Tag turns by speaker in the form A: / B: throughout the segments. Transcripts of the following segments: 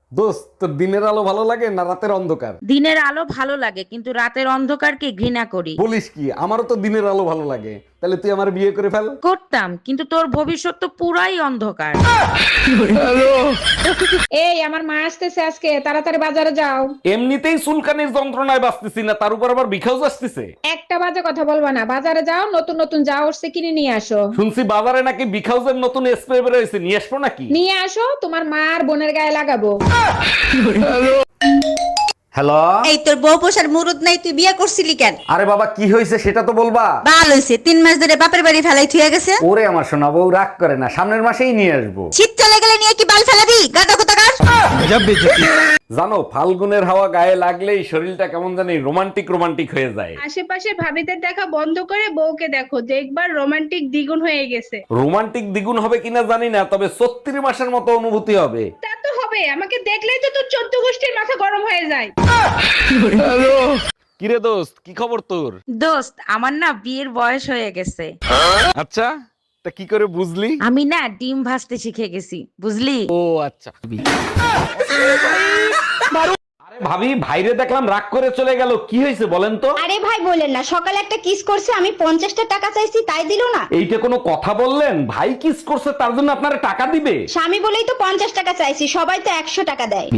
A: দোস্ত, তোর দিনের আলো ভালো লাগে না রাতের অন্ধকার?
B: দিনের আলো ভালো লাগে, কিন্তু রাতের অন্ধকারকে ঘৃণা করি।
A: বলিস কি? আমারও তো দিনের আলো ভালো লাগে। তাহলে তুই আমার বিয়ে করে ফেল।
B: করতাম, কিন্তু তোর ভবিষ্যৎ তো পুরাই অন্ধকার।
C: এই আমার মা আসতেছে আজকে, তাড়াতাড়ি বাজারে যাও।
A: এমনিতেই চুলকানির যন্ত্রণায় বাঁচতেছি না, তার উপর আবার বিখাউজ আসতেছে।
C: একটা বাজে কথা বলবা না, বাজারে যাও, নতুন নতুন যা উঠছে কিনে নিয়ে আসো।
A: শুনছি বাজারে নাকি বিখাউজের নতুন স্প্রে বের হয়েছে, নিয়ে আসবো নাকি?
C: নিয়ে আসো, তোমার মা আর বোনের গায়ে লাগাবো।
A: হ্যালো।
D: এই তোর বউ পোষার মুরুদ নাই, তুই বিয়ে করছিলি কেন?
A: আরে বাবা, কি হয়েছে সেটা তো বলবা।
D: বাল হইছে, 3 মাস ধরে বাপের বাড়ি ফেলাই থুয়ে গেছে।
A: ওরে আমার সোনা বউ, রাগ করে না, সামনের মাসেই নিয়ে আসবো।
D: শীত চলে গেলে নিয়ে কি বাল ফেলাবি? গাদা কোথাকার।
A: জানো, ফাল্গুনের হাওয়া গায়ে লাগলেই শরীরটা কেমন জানি রোমান্টিক রোমান্টিক হয়ে যায়।
E: আশেপাশে ভাবিদের দেখা বন্ধ করে বউকে দেখো, দেখবার রোমান্টিক দ্বিগুণ হয়ে গেছে।
A: রোমান্টিক দ্বিগুণ হবে কিনা জানি না, তবে 36 মাসের মতো অনুভূতি হবে।
E: তা তো হবে, আমাকে দেখলেই তো তোর 14 গোষ্ঠীর মাথা গরম হয়ে যায়।
A: কিরে দোস্ত, কি খবর তোর?
B: দোস্ত, আমার না বিয়ের বয়স হয়ে গেছে।
A: আচ্ছা, তা কি করে বুঝলি?
B: আমি না ডিম ভাজতে শিখে গেছি, বুঝলি?
A: ও আচ্ছা। আরে ভাবি, ভাইরে দেখলাম রাগ করে চলে গেল, কি হয়েছে বলেন তো?
F: আরে ভাই বলেন না, সকালে একটা কিস করছে, আমি 50টা টাকা চাইছি তাই দিলো না।
A: এইটা কোনো কথা বললেন? ভাই কিস করছে তার জন্য আপনারা টাকা দিবে?
F: স্বামী বলেই তো 50 টাকা চাইছি, সবাই তো 100 টাকা দেয়।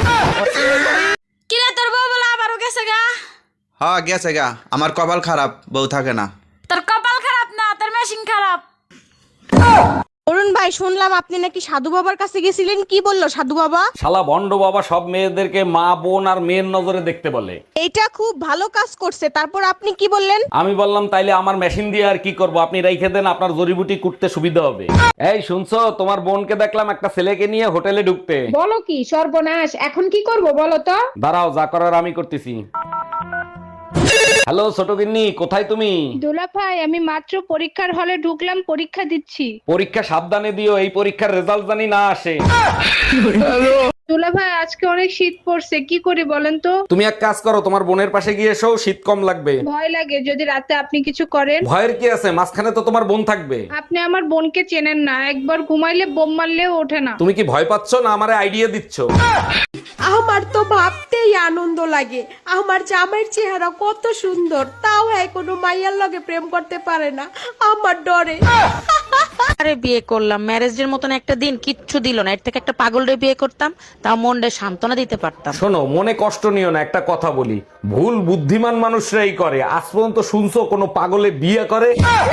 D: কিরে তোর বউ বলে আবারও গেছে গা?
G: হ্যাঁ গেছে গা, আমার কপাল খারাপ, বউ থাকে না।
D: তোর কপাল খারাপ না, তোর মেশিন খারাপ। অরুণ ভাই, শুনলাম আপনি নাকি সাধু বাবার কাছে গেছিলেন, কি বললো সাধু বাবা?
A: শালা ভন্ড বাবা সব মেয়েদেরকে মা বোন আর মেয়ের নজরে দেখতে বলে।
D: এইটা খুব ভালো কাজ করছে, তারপর আপনি কি বললেন?
A: আমি বললাম তাইলে আমার মেশিন দিয়ে আর কি করব, আপনি রাইখে দেন, আপনার জড়িবুটি কুটতে সুবিধা হবে। এই শুনছো, তোমার বোনকে দেখলাম একটা ছেলেকে নিয়ে হোটেলে ঢুকতে।
C: বলো কি সর্বনাশ, এখন কি করব বলো তো?
A: দাঁড়াও, যা করার আমি করতেছি। হ্যালো ছোট গিন্নি, কোথায় তুমি?
E: দোলা ভাই, আমি মাত্র পরীক্ষার হলে ঢুকলাম, পরীক্ষা দিচ্ছি।
A: পরীক্ষা সাবধানে দিও, এই পরীক্ষার রেজাল্ট জানি না আসে।
E: দোলা ভাই, আজকে অনেক শীত পড়ছে, কি করি বলেন তো?
A: তুমি এক কাজ করো, তোমার বোনের পাশে গিয়ে এসো, শীত কম লাগবে।
E: ভয় লাগে যদি রাতে আপনি কিছু করেন।
A: ভয়ের কি আছে, মাঝখানে তো তোমার বোন থাকবে।
E: আপনি আমার বোনকে চেনেন না, একবার ঘুমাইলে বোম মারলেও ওঠে না।
A: তুমি কি ভয় পাচ্ছ না আমারে আইডিয়া দিচ্ছ?
H: আমার তো ভাবতেই আনন্দ লাগে, আমার জামাইয়ের চেহারা কত সুন্দর, তাও কোনো মাইয়ার লগে প্রেম করতে পারে না, আমার ডরে।
B: আরে বিয়ে করলাম, ম্যারেজের মতন একটা দিন কিচ্ছু দিল না, এর থেকে একটা পাগলরে বিয়ে করতাম, তাও মনটা সান্ত্বনা দিতে পারতাম।
A: শোনো, মনে কষ্ট নিও না, একটা কথা বলি, ভুল বুদ্ধিমান মানুষরাই করে। আজ পর্যন্ত শুনছো কোনো পাগলে বিয়ে করে?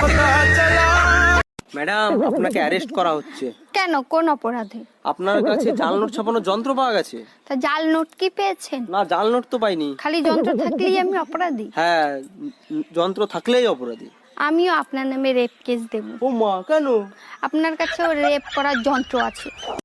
I: ম্যাডাম, আপনাকে অ্যারেস্ট করা হচ্ছে।
F: কেন, কোন অপরাধে?
I: আপনার কাছে জাল নোট ছাপানোর যন্ত্র পাওয়া গেছে।
F: তা জাল নোট কি পেয়েছেন?
I: না, জাল নোট তো পাইনি।
F: খালি যন্ত্র থাকলেই আমি অপরাধী?
I: হ্যাঁ, যন্ত্র থাকলেই অপরাধী।
F: আমিও আপনার নামে রেপ কেস দেব।
I: ও মা, কেন?
F: আপনার কাছেও রেপ করার যন্ত্র আছে।